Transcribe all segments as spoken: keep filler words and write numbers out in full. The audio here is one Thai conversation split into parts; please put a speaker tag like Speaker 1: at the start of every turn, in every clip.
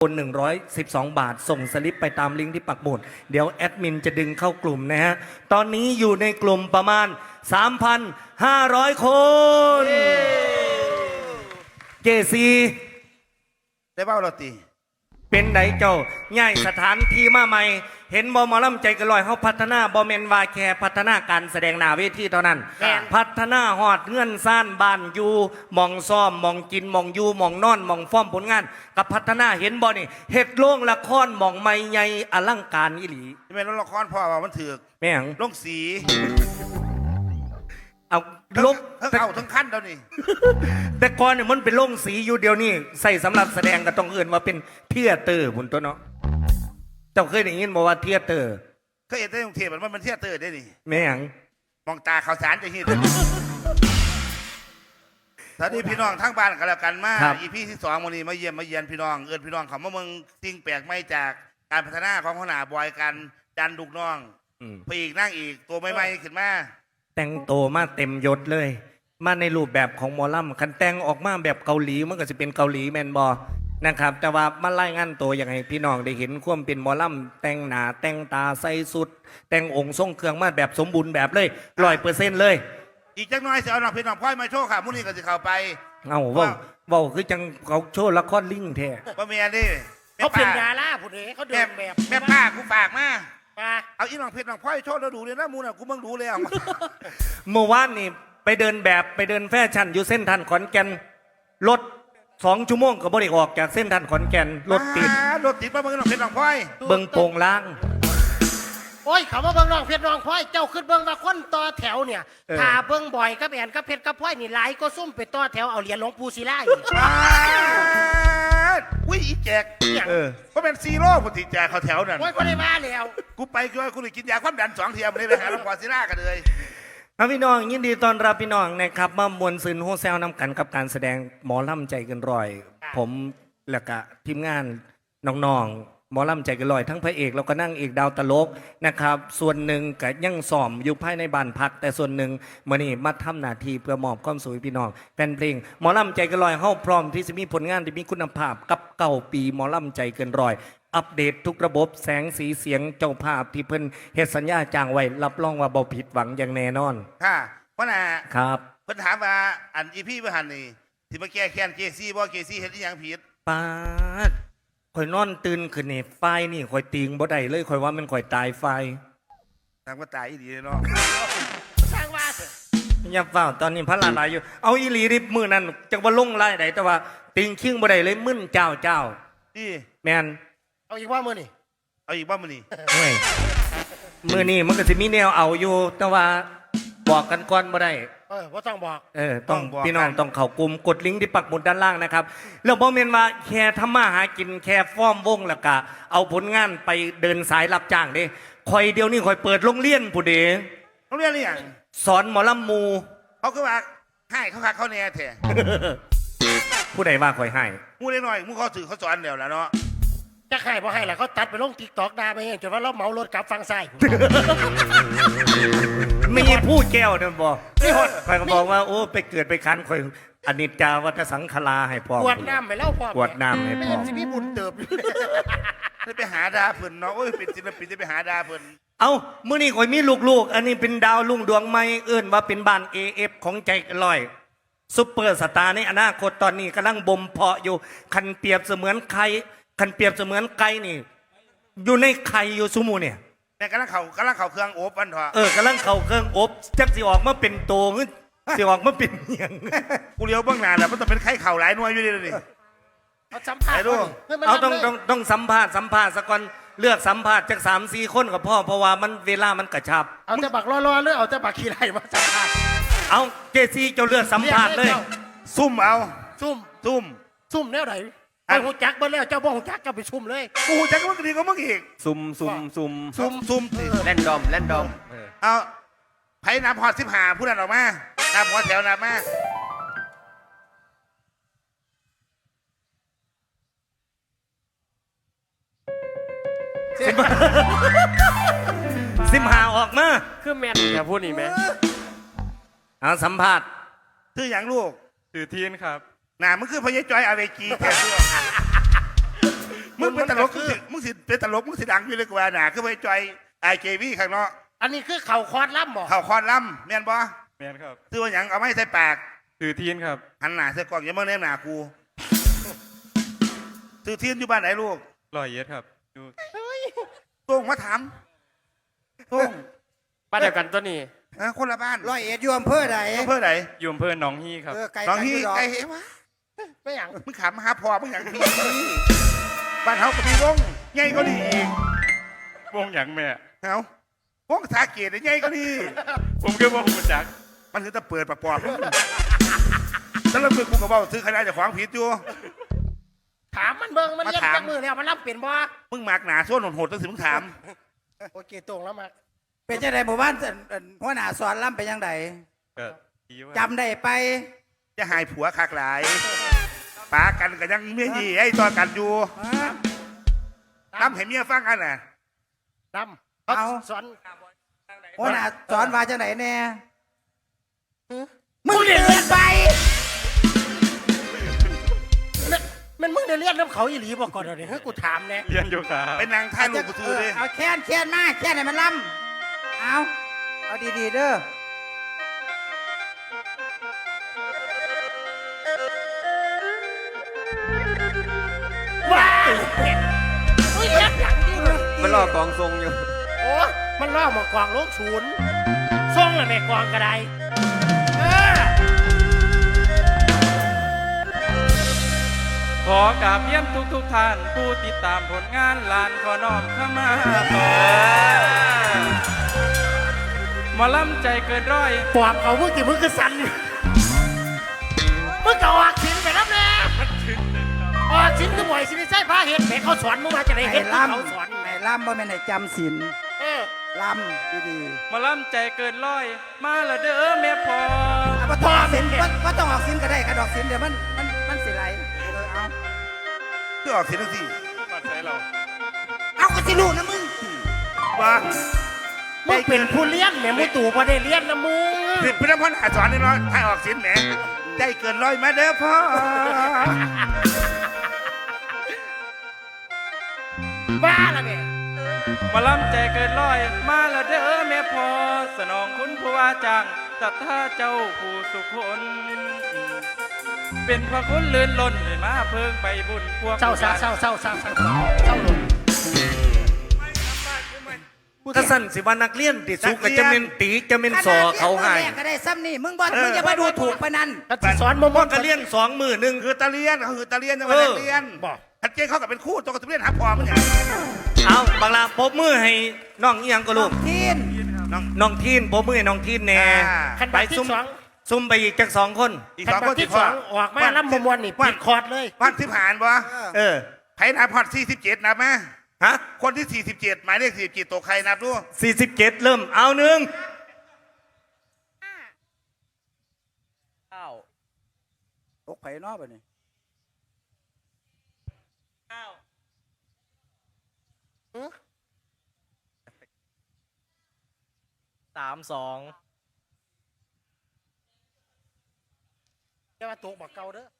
Speaker 1: คนหนึ่งร้อยสิบสองบาทส่งสลิปไปตามลิงก์ที่ปักหมุดเดี๋ยวแอดมินจะดึงเข้ากลุ่มนะฮะตอนนี้อยู่ในกลุ่มประมาณ สามพันห้าร้อย คนเจซี
Speaker 2: ได้เบ้าเราตี
Speaker 1: เป็นไหนเจ้าง่ายสถานที่มาใหม่เห็นบอมอลำใจกระลอยเขาพัฒนาบอเมนวาแคพัฒนาการแสดงหน้าเวทีเท่านั้นพัฒนาหอดเงื่อนซ่านบ้านอยู่มองซ่อมมองกินมองอยู่มองนอนมองฟ้อมผลงานกับพัฒนาเห็นบอนี่เฮ็ดโล่งละครมองไม่ใหญ่อลังการอีหลี
Speaker 2: ที่เป็นละครพ่อว่ามันถือ
Speaker 1: แม่ง
Speaker 2: ลงสี
Speaker 1: เอาลง
Speaker 2: ทั้งเอาทั้งขั้นเดี๋ยวนี้
Speaker 1: แต่ก่อนเนี่ยมันเป็นลงสีอยู่เดียวนี่ใส่สำหรับแสดงก็ต้องเอื่นว่าเป็นเทียเตอร์พุ่นตัวเนาะเจ้าเคยได้ยินบอกว่าเทียเตอร์
Speaker 2: เคยเห็นในกรุงเทพมันมันเทียเตอร์ได้นี่
Speaker 1: แม่ง
Speaker 2: มองตาข่าวสารจะเห็นตอนนี้พี่น้องทั้งบ้านกันแล้วกันมาอีพีที่สองวันนี้มาเยี่ยมมาเยียนพี่น้องเอิญพี่น้องเขามาเมืองสิ่งแปลกไม่จากการพัฒนาของขนาบอยกันดันดุกน้องพอีกนั่งอีกตัวไม่ไม่ขึ้นมา
Speaker 1: แต่งโตมาเต็มยศเลยมาในรูปแบบของหมอลำคันแต่งออกมาแบบเกาหลีมันก็จะเป็นเกาหลีแมนบอนะครับแต่ว่ามาไล่งานตัวอย่างไรพี่น้องได้เห็นความเป็นหมอลำแต่งหนาแต่งตาใส่สุด แต่งองค์ทรงเครื่องมาแบบสมบูรณ์แบบเลยร้อยเปอร์เซ็นต์เลย
Speaker 2: อีกจังน้อยเสียเอาหนังเพลงหนังพ่อยมาโชว์ค่ะมุ่นี่ก็จะเข้าไป
Speaker 1: เอาว่าว่าคือจังเขาโชว์ละครลิงแท้
Speaker 2: ว่าเมียดิ
Speaker 3: เขาเป็นดาราผู้ใดเขาเดินแบบ
Speaker 2: แม่ป้ากูฝากมา
Speaker 3: ป้า
Speaker 2: เอาอีหนังเพลงหนังพ่อยโชว์เราดูเลยนะมูน่ะกูมึงดูเลยอ่ะ
Speaker 1: เมื่อวานนี่ไปเดินแบบไปเดินแฟชั่นอยู่เส้นทันขอนแก่นรถสองชั่วโมงก็บ่ได้ออกจากเส้นทันขอนแก่นรถติด
Speaker 2: รถติดมาเบิ่งหนังเพลงหนังพ่อย
Speaker 1: เบิ่งโป่งล้าง
Speaker 3: โอ้ยเขามาเบิ่งน้องเพชรน้องพ่อยเจ้าขึ้นเบิ่งว่าคนต่อแถวเนี่ยถ้าเบิ่งบ่อยกับแอนกับเพชรกับพ่อยนี่หลายก็ซุ่มไปต่อแถวเอาเหรียญหลวงปู่ศิลาอีก
Speaker 2: อุ้ยอีแจกเออเพราะเป็นซีโร่ปกติแจกเขาแถวนั่น
Speaker 3: โอ้ยก็ได้มาแล้ว
Speaker 2: กูไปกูกูเลยกินยาความดันสองเทียมเลยไปหาหลวงปู่ศิลากันเลย
Speaker 1: พี่น้องยินดีต้อนรับพี่น้องนะครับมามวลซึนโฮเซลนำกันกับการแสดงหมอลำใจเกินร้อยผมและกะทีมงานน้องๆหมอลำใจเกินร้อยทั้งพระเอกแล้วก็นั่งเอกดาวตลกนะครับส่วนหนึ่งก็ยังซ้อมอยู่ภายในบ้านพักแต่ส่วนหนึ่งมื่อนี้มาทำหน้าที่เพื่อมอบความสุขพี่น้องแฟนเพลงหมอลำใจเกินร้อยเฮาพร้อมที่จะมีผลงานที่มีคุณภาพกับเก่าปีหมอลำใจเกินร้อยอัปเดตทุกระบบแสงสีเสียงเจ้าภาพที่เพิ่นเฮ็ดสัญญาจ้างไว้รับรองว่าบ่ผิดหวังอย่างแน่นอน
Speaker 2: ค่ะเพราะน่ะ
Speaker 1: ครับ
Speaker 2: เพิ่นถามว่าอันอีพี่เพิ่นหันนี่ที่มาแก้แค้นเจซี่บ่เจซี่เฮ็ดอีหยังผิด
Speaker 1: ปาดข่อยนอนตื่นขึ้นนี่ไฟนี่ข่อยติงบ่ได้เลยข่อยว่ามันข่อยตายไฟ
Speaker 2: ทางว่าตายอีหลีเนาะ
Speaker 3: สร้างว่า
Speaker 1: อย่าเฝ้าตอนนี้พระลาลายอยู่เอาอีหลีริบมื้อนั้นจักว่าลงรายใดแต่ว่าติงคิงบ่ได้เลยมึนเจ้าเจ้า
Speaker 2: นี่
Speaker 1: แม่น
Speaker 3: เอาอีกว่ามื้อนี่
Speaker 2: เอาอีกว่ามื้อนี่
Speaker 1: โอ้ยมื้อนี้มันก็สิมีแนวเอาอยู่แต่ว่าบอกกันก่อนบ่ได้
Speaker 3: เออว่าต้องบอก
Speaker 1: เออต้องพี่น้องต้องเข้ากลุ่มกดลิงก์ที่ปักหมุดด้านล่างนะครับแล้วบ่แม่นว่าแค่ทำมาหากินแค่ฟ้อมวงแล้วก็เอาผลงานไปเดินสายรับจ้างเด้ข่อยเดียวนี้ข่อยเปิดโรงเรียนผู้เด๋
Speaker 2: โรงเรียนนี่หยัง
Speaker 1: สอนหมอลำมู
Speaker 2: เขาคือว่าให้เขาคักเขาแน่แท้
Speaker 1: ผู้ใดว่าข่อยให้
Speaker 2: มูเล็กน้อยมูเขาสื่อเขาสอนแล้วล่ะเนาะ
Speaker 3: จะให้บ่ให้ล่ะเขาตัดไปลง TikTok ด่าไปเองจนว่าเราเหมารถกลับฝั่งซ้าย
Speaker 1: มีผู้แก้วนั่นบอกนี่หดข่อยก็บอกว่าโอ้ไปเกิดไปคันข่อยอนิจจาวัฏสังขารให้พ่อ
Speaker 3: ปวดน้ำไปแล้วพ่อ
Speaker 1: ปวดน้ำให้พ่อ
Speaker 3: สิพี่บุญเติบ
Speaker 2: จะไปหาดาเพิ่นเนาะโอ้ยเป็นศิลปินจะไปหาดาเพิ่น
Speaker 1: เอ้ามื้อนี้ข่อยมีลูกๆอันนี้เป็นดาวลุ่งดวงใหม่เอิ้นว่าเป็นบ้าน เอ เอฟ ของใจลอยซุปเปอร์สตาร์ในอนาคตตอนนี้กำลังบ่มเพาะอยู่คันเปรียบเสมือนไข่คันเปรียบเสมือนไก่นี่อยู่ในไข่อยู่ซุมูเนี่ย
Speaker 2: แต่กำลังเข่ากำลังเข่าเครื่องอบอันเถอะ
Speaker 1: เออกำลังเข่าเครื่องอบจักสิออกมาเป็นโตงสิออกมาเป็นเหียง
Speaker 2: กูเลี้ยวเบื้องหน้าแล้วมันต้องเป็นไข่เข่าหลายหน่วยอยู่ดิเลย
Speaker 3: เอาสัมภาษณ์
Speaker 1: เอาต้องต้องต้องสัมภาษณ์สัมภาษณ์สักคนเลือกสัมภาษณ์จากสามสี่คนกับพ่อเพราะว่ามันเวลามันกระชับ
Speaker 3: เอาแต่บักรอๆหรือเอาแต่บักขี้ไรมาสัมภาษณ์
Speaker 1: เอาเจซี่เจ้าเลือกสัมภาษณ์เลย
Speaker 2: ซุ่มเอา
Speaker 3: ซุ่ม
Speaker 2: ซุ่ม
Speaker 3: ซุ่มแนวไหนไอ้หูจักเบิ้ลแล้วเจ้าบ่หูจักก็ไปซุ่มเลย
Speaker 2: กูหูจักก็มึงดีก็มึงอีก
Speaker 1: ซุ่มซุ่มซุ่ม
Speaker 2: ซุ่มซุ่ม
Speaker 1: แลนดอมแลนดอม
Speaker 2: เอาไผ่น้ำพอดสิบหาผู้นั้นออกมาน้ำพอดแถวน้ำมา
Speaker 1: สิบหาออกมา
Speaker 3: คือแมนอย่าพูดนี่ไหม
Speaker 1: เอาสัมภาษณ์
Speaker 2: ชื่ออย่างลูก
Speaker 4: ชื่อทีนครับ
Speaker 2: น่ะมันคือพญจอยอเวจีแท้มมึงเป็นตลก
Speaker 3: คื
Speaker 2: มึง
Speaker 3: อ
Speaker 2: สิมึงสิเป็นตลกมึงสิดังอยู่เลยกว่าหนาคือไปจอยไอเจวีข้างนอก
Speaker 3: อันนี้คือเข่าคอร์ดล่ำบ่
Speaker 2: เข่าคอนล่ำแม่นบ่
Speaker 4: แมนครับ
Speaker 2: ซื้อว่าหยังเอาไม้ใส่ปาก
Speaker 4: สื่อทีนครับ
Speaker 2: หันหน้าใส่กล้องอย่ามาเน้นหน้ากูซื้อเทียนอยู่บ้านไหนลูก
Speaker 4: รอยเย็ดครับอยู่
Speaker 2: ต้งมาถามต้ง
Speaker 3: บ้านเดียวกันตัวนี้
Speaker 2: ฮะคนละบ้าน
Speaker 5: ร้อยเอ็ดอยู่อำเภอใด
Speaker 2: อำเภอไหน
Speaker 4: อยู่อำเภอหนองฮีครับ
Speaker 5: เออไกล
Speaker 2: น้อง
Speaker 5: กัน
Speaker 2: ฮี่
Speaker 5: ยู่ดอก
Speaker 2: ไอ้เอ๋วะ
Speaker 3: ไม่อย่าง
Speaker 2: มึงขำมาหาพ่อมึงอย่างพี่บ้านเฮาก็มีวงใหญ่ก็ดีอีก
Speaker 4: วงหยังแม่
Speaker 2: เฮาวงสาเกตใหญ่ก็ดี
Speaker 4: ผมก็ว่าหูจัก
Speaker 2: มันคือจะเปิดปากปอบแล้วแล้วมือกูก็บอกซื้อใครได้จะขวางผิดอยู่
Speaker 3: ถามมันเบิ่งมัน
Speaker 2: มา
Speaker 3: เลี้ยง
Speaker 2: ถาม
Speaker 3: จักมือแล้วมันล่ำเป็นบ่
Speaker 2: มึงมากหนาส่วนโหดๆตั้งสิมึงถาม
Speaker 3: โอเคตรงแล้วมา
Speaker 5: เป็นจังไดหมู่บ้านเอิ่นเอิ่นหัวหน้าสอนล่ำเป็นจังได
Speaker 4: ก็ดีว่า
Speaker 5: จำได้ไป
Speaker 2: จะหายผัวคักหลายปากันก็ยังเมียยี่ไอ้ตอนกันอยู่
Speaker 5: ฮะ
Speaker 2: ทำให้เมียฟังกันน่ะ
Speaker 3: ล่ำเขา
Speaker 5: เอา
Speaker 3: สอน
Speaker 5: หัวหน้าสอนว่าจังไดแน่
Speaker 3: มึ
Speaker 5: มึ
Speaker 3: ง
Speaker 5: ง
Speaker 3: เรียน
Speaker 5: เดินไป
Speaker 3: มันมึงได้เรียนน้ำเขาอีหลีบอกก่อนเดี๋ยวนี้ให้กูถามแน่
Speaker 4: เรียนอยู่ครับ
Speaker 2: เป็นนางท่ายลูกกูซื้อเลย
Speaker 5: เอาแค้นแค้นมาแค้นให้มันล่ำเอาเอาดีๆเด้อ
Speaker 3: ว้ายอุ้ยเรียนอย่างนี้เลย
Speaker 1: มันรอกองทรงอยู่
Speaker 3: โอ้มันล่อหมากวางโลกศูนย์ส่งเลยแม่กวางกระไดเออ
Speaker 4: ขอกราบเยี่ยมทุกทุกๆท่านผู้ติดตามผลงานลานขอน้อมเข้ามาขอหมาล่ำใจเกินร้อย
Speaker 3: ปอบเขามึงกี่มึงก็สั่นมึงก็ออกสินไปแล้วแน่ออกสินคือบ่อยสิไม่ใช่พระเห็ดแม่เขาสอนมึงมาจะได้
Speaker 5: ให้
Speaker 3: เห็ด
Speaker 5: ล่
Speaker 3: เขาสอน
Speaker 5: ำให้ล่ำบ่แม่นให้จำศีล
Speaker 3: เออ
Speaker 5: ล่ำดี
Speaker 4: หมาล่ำใจเกินร้อย มาละเด้อแม่พอ
Speaker 5: ๆเอาบ่ต้องออกศีลบ่บ่ต้องออกศีลก็ได้กระดอกศีลเดี๋ยวมันมันมันสิไหลเออเอา
Speaker 2: คือออกเสียงทั้งสี่
Speaker 4: มาใส่เรา
Speaker 5: เอาก็สิรู้นะมึง
Speaker 2: ว่า
Speaker 3: มึงเป็นผู้เลี้ยนแม่มึงตู่พอได้เลี้ยนนะมึง
Speaker 2: ผิดพี่น้ำพันอาสอนนี่เนาะให้ออกสินแหมได้เกินร้อยมาเด้อพ่อ
Speaker 3: บ้าละแม่
Speaker 4: หมาล่ำใจเกินร้อย มาละเด้อแม่พอ สนองคุณผู้ว่าจ้างศรัทธาเจ้าผู้สุคน เป็นพระคุณลื่นล้นเลยมาเพิ่งไปบุญพวก
Speaker 3: เศร้าเศร้าเศร้าเศร้าเศร้าเศร้าเศร้าลง
Speaker 1: ถ้าสั้นสิว่านักเรียนติดสุกก็จะเป็นตีจะเป็นสอเขาให้
Speaker 5: ขนาดรียนมื้อแรกก็ได้ซ้ำนี่มึงบ่มึงอย่ามาดูถูกปานนั้น
Speaker 3: ถ้าสิสอนมึง
Speaker 1: พ่อก็เรียนสองมือหนึ่ง
Speaker 2: คือตะเลียนเขาคือตะเลียนยังไม่ได้เลียน
Speaker 3: บอก
Speaker 2: ทัดเจนเขากับเป็นคู่ตัวกับตะเลียนหาพอมันอย่าง
Speaker 1: เอาบางลาปรบมือให้น้องเอียงก็ลูก
Speaker 5: ทีน
Speaker 2: น้อง
Speaker 1: น้องทีนปรบมือให้น้องทีนแน่
Speaker 2: อ่า
Speaker 3: ขัน
Speaker 1: ไป
Speaker 3: บักที่
Speaker 1: ซุ่ม
Speaker 3: สอง
Speaker 1: ซุ่มไปอีกจากสองคน
Speaker 2: อีก
Speaker 3: ขั
Speaker 2: สอง
Speaker 3: น
Speaker 2: ค
Speaker 3: บั
Speaker 2: น
Speaker 3: ก
Speaker 2: ติ
Speaker 3: ที่
Speaker 2: ด
Speaker 3: ส
Speaker 2: พ่อ
Speaker 3: องออกมาล้ำมวนนี่ปิดคอร์ดเลย
Speaker 2: วันที่ผ่านบ่
Speaker 1: เออ
Speaker 2: ไผ่นับพอดสี่สิบเจ็ดนับไหม
Speaker 1: ฮะ
Speaker 2: คนที่สี่สิบเจ็ดหมายเลขสี่สิบเจ็ดตัวใครนับดู
Speaker 1: สี่สิบเจ็ดเริ่มเอาหนึ่ง
Speaker 5: ตกไผเนอบัดนี้
Speaker 1: สามสอง
Speaker 3: จะมาตกบักเก่าเด้อ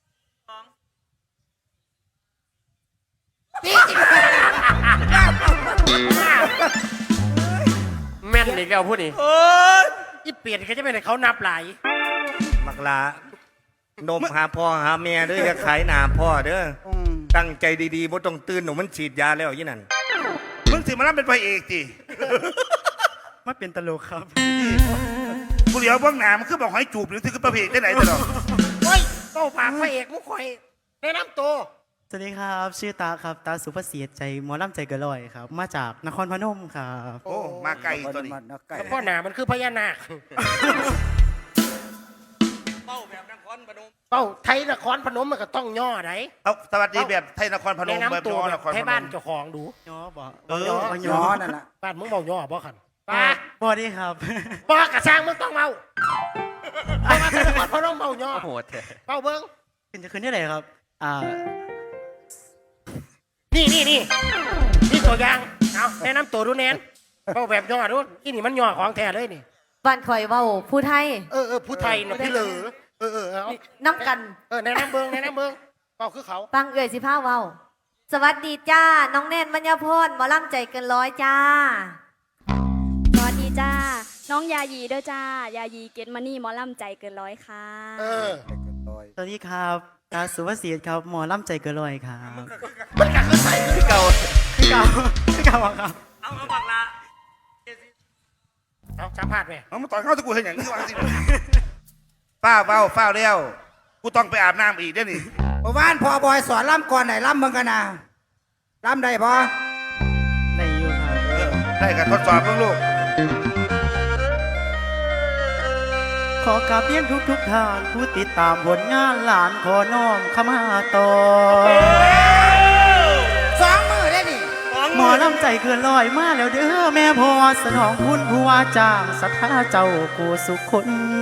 Speaker 3: แม่นอีกแล้วพูดนี่
Speaker 1: โอ้ย
Speaker 3: อีเปลี่ยนก็จะเป็นให้เขานับหลาย
Speaker 1: บักลานมหาพ่อหาแม่เด้ออย่าขายหนาพ่อเด้อ
Speaker 5: อืม
Speaker 1: ตั้งใจดีๆบ่ต้องตื่นหนูมันฉีดยาแล้วยี่นั่น
Speaker 2: มึงสิมารับเป็นพระเอกจี
Speaker 4: มาเป็นตลกครับ
Speaker 2: กูเดี๋ยวเบื้องหน้ามันคือบอกให้จูบหรือคือประเพณีได้ไหนตลอด
Speaker 3: เฮ้ยเป้าปากพระเอกมุกข่อยแนะนำตัว
Speaker 6: สวัสดีครับ ชื่อตาครับ ตาสุภาษิตใจหมอลำใจเกระลอยครับ มาจากนครพนมครับ
Speaker 2: โอ้มาไกลตัวนี้
Speaker 5: มันมาไกล
Speaker 3: แล้วพ่อหนามันคือพญานาค
Speaker 1: เป้าแบบนครพนม
Speaker 3: เป้าไทยนครพนมมันก็ต้องย่อไหน
Speaker 2: เอาสวัสดีแบบไทยนครพน
Speaker 3: แนะ
Speaker 2: มแบบ
Speaker 3: นำตัว
Speaker 2: ย้อน
Speaker 3: แบ
Speaker 2: น
Speaker 3: บ
Speaker 2: ครพ
Speaker 3: ให้
Speaker 2: น
Speaker 3: บ้าน
Speaker 2: ม
Speaker 3: เจ้าของดู
Speaker 6: ย่อบ่
Speaker 2: เออ
Speaker 3: ย่อ
Speaker 5: ย้อนนั่นน่ะ
Speaker 3: บ้านมึงเมาย่อบ่ขันป้า
Speaker 6: บ่ดีครับ
Speaker 3: ป้ากระช่างมึงต้องเมาเพราะว่าไทยนครพนมเมาย่อ
Speaker 4: โหดแท้
Speaker 3: เป้าเบิ้ง
Speaker 6: ขึ้นจะขึ้นได้เลยครับ อ่า
Speaker 3: นี่นี่นี่นี่ตัวอย่างเอาแนะนำตัวดูแนนเป้าแบบย่อดูอีนี่มันย่อของแท้เลยนี่
Speaker 7: บ้านข่อยเว้าผู้ไทย
Speaker 3: เออเออผู้ไทยเนาะพี่เหลือเออเออเอา
Speaker 7: น้ำกัน
Speaker 3: เออแนะนำเบิ้งแนะนำเบิ้งเป้าคือเขา
Speaker 7: ฟังเอ่ยสิผ้าเว้าสวัสดีจ้า น้องแนนมัญญาพรหมอลำใจเกินร้อยจ้า
Speaker 8: สวัสดีจ้า น้องยายีเด้อจ้า ยายีเกตมานี่หมอลำใจเกินร้อยค่ะ
Speaker 3: เออ
Speaker 6: สวัสดีครับตาสุภเสียครับหมอลำใจเกินร้อยครับ
Speaker 3: มันก็คือใส่คือเก่า
Speaker 6: พี่เก่าพี่เก่าครับ
Speaker 1: เอาเอาบักละ
Speaker 3: เอาสัมภาษณ์ไหม
Speaker 2: เอามาต่อยเข้าตะกูเห็นอย่างนี้วางสิฝ้าเฝ้าเฝ้าเลี้ยวกูต้องไปอาบน้ำอีกเด้อนี่
Speaker 5: เมื่อวานพอบอยสอนล่ำก่อนไหนล่ำมึงกันนะล่ำได้พอ
Speaker 6: ได้อยู่ครับ
Speaker 2: เออได้กับทดสอบเพิ่งลูก
Speaker 6: ขอกราบเรียนทุกทุกๆท่านผู้ติดตามผลงานหลานขอน้อมเข้ามาต่อ
Speaker 5: สองมือได้ดิ
Speaker 6: หมอลำใจเกินร้อยมาแล้วเด้อแม่พอสนองคุณผู้ว่าจ้างศรัทธาเจ้ากูสุขคน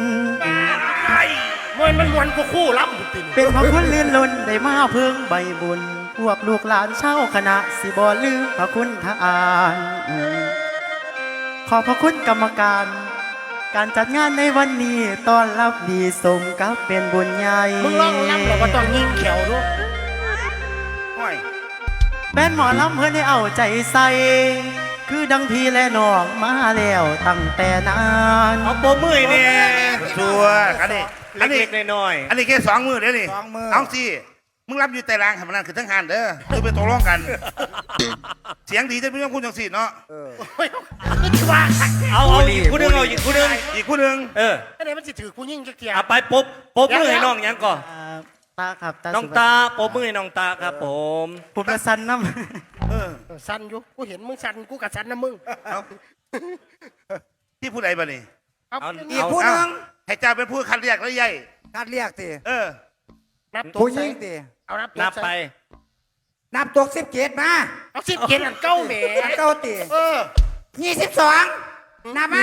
Speaker 3: มันมันมวนกูคู่รับบุตร
Speaker 6: เป็นพระคุณลื่นล้นได้มาเพิ่งใบบุญ พวกลูกหลานเช่าคณะสิบอลืมพระคุณทานขอบพระคุณกรรมการ การจัดงานในวันนี้ต้อนรับดีสมกับเป็นบุญใหญ่
Speaker 3: มึงร้องรับหรอว่าต้องยิงแขวด้วย
Speaker 2: ห้อย
Speaker 6: แม่นหมอลำเพื่อนให้เอาใจใส่ คือดังพี่และน้องมาแล้วตั้งแต่นาน
Speaker 1: เอาโปรมือเนี่ย
Speaker 2: ชัวร์อันนี้อันนี้
Speaker 1: เล็กๆน้อย
Speaker 2: อันนี้แค่สองมือเดี๋ยวนี่
Speaker 5: สองมือ
Speaker 2: เอาสิมึงรับอยู่แต่รางให้มันนั่นคือทั้งหันเด้อคือไปตกลงกัน เสียงดีจะไม่ต้องคุณจังสิเนาะ
Speaker 5: เออ
Speaker 3: โอ้ยก็ที่ว่า
Speaker 1: ๆเอาเอาอีกคู่หนึงเอาอีกคู่หนึง
Speaker 2: อีกคู่หนึ่ง
Speaker 1: เออ
Speaker 3: ไอ้เนี่ยมันสิถือกูยิงจักเทีย
Speaker 1: เอาไปปบปบมือให้น้องหยังก่อน
Speaker 6: อ่าตาครับตา
Speaker 1: น้อง
Speaker 6: สุภ
Speaker 1: ตาปบมือให้น้องตาครับผม
Speaker 6: ผมจะสันน้
Speaker 2: เออ
Speaker 3: เออสั่นอยู่กูเห็นมึงสั่นกูกับสั่นนะมึง
Speaker 2: เอาที่ผู้ใดบ้านี่
Speaker 3: เอา
Speaker 1: เอา
Speaker 5: อีก
Speaker 1: เอา
Speaker 5: ผู้หนึ่ง
Speaker 2: ให้เจ้าเป็นผู้คัดเรียกแล้วยัย
Speaker 5: คัดเรียกตี
Speaker 2: เออ
Speaker 3: นับตัว
Speaker 5: ผู้ห
Speaker 3: ใส่
Speaker 5: ญิงตี
Speaker 3: เอานับตัว
Speaker 1: นับไป
Speaker 3: ใส่
Speaker 5: นับตัวสิบเจ็ดมา
Speaker 3: เอาสิบเขียนอันเก้าแหม
Speaker 5: เก้าตี
Speaker 3: เออ
Speaker 5: ยี่สิบสองนับมา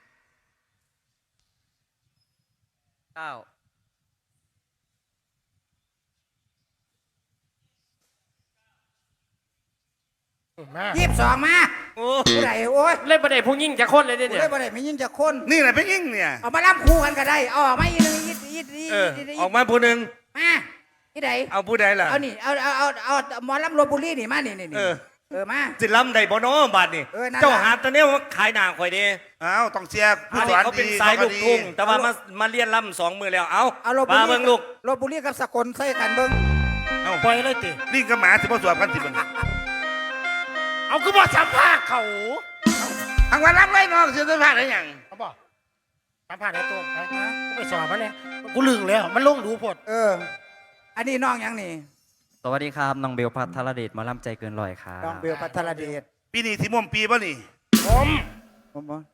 Speaker 4: เก้า
Speaker 3: มา
Speaker 5: ยี่สิบสองมา
Speaker 1: โอ้
Speaker 5: ผู้ใดโอ้ย
Speaker 3: เล่นประเดี๋ยวพวกยิงจะคนเลย
Speaker 5: ผู้
Speaker 3: เนี่ย
Speaker 5: ใดบ่ได้ไม่ยิงจะคน
Speaker 2: นี่แหละเป็นยิ่งเนี่ย
Speaker 5: เอามาล่ำคู่กันก็ได้เอาออกมาอีกหนึ่งอีกอีกอีก
Speaker 1: เออ
Speaker 5: อีกอีก
Speaker 1: ออกมาผู้หนึ่ง
Speaker 5: มาที่ไหน
Speaker 1: เอาผู้ใดล่ะ
Speaker 5: เอานี่เอาเอาเอาเอาหมอลำโรบุรีนี่มานี่นี่นี่
Speaker 1: เออ
Speaker 5: เออมา
Speaker 1: สิลำใดบ่เน้อบาดนี่
Speaker 5: เออนั่นล่ะ
Speaker 1: เจ้าหาตอนนี้ว่าขายหนาข่อยเด้
Speaker 2: อ้าวต้องเชียร์ผู้
Speaker 1: อัน
Speaker 2: ส
Speaker 1: นี้
Speaker 2: อน
Speaker 1: เขาเป็น
Speaker 2: ดี
Speaker 1: สายลูก
Speaker 2: ดี
Speaker 1: ทุ่งแต่ว่ามามาเรียนลำสองมือแล้วเอา
Speaker 5: เอาโรบุ
Speaker 1: มา
Speaker 5: รี
Speaker 1: เบิ่งลูก
Speaker 5: โรบุรีกับสกลใส่กันเบิ่ง
Speaker 2: เอ้า
Speaker 3: ปล่อยเลยติ
Speaker 2: ลิงกับหมาสิบ่สวบกันสิมัน
Speaker 3: เอาคือบอกสัมภาษณ์เขา
Speaker 2: ทางวันรับไรน้องเสียสัมภาษณ์อะไรอย่าง
Speaker 3: เขาบอกสัมภาษณ์ไอ้ตัวไปกูไปสอบมันเนี่ยกูลืมแล้วมันลงดูพด
Speaker 5: เออ อันนี้น้องยังนี่
Speaker 9: สวัสดีครับ น้องเบลพัทรเดชหมาล่ำใจเกินร้อยครับ
Speaker 5: น้องเบลพัทรเดช
Speaker 2: ปีนี้ที่ม่วมปีป่ะนี่
Speaker 3: ผม
Speaker 5: ผมบอก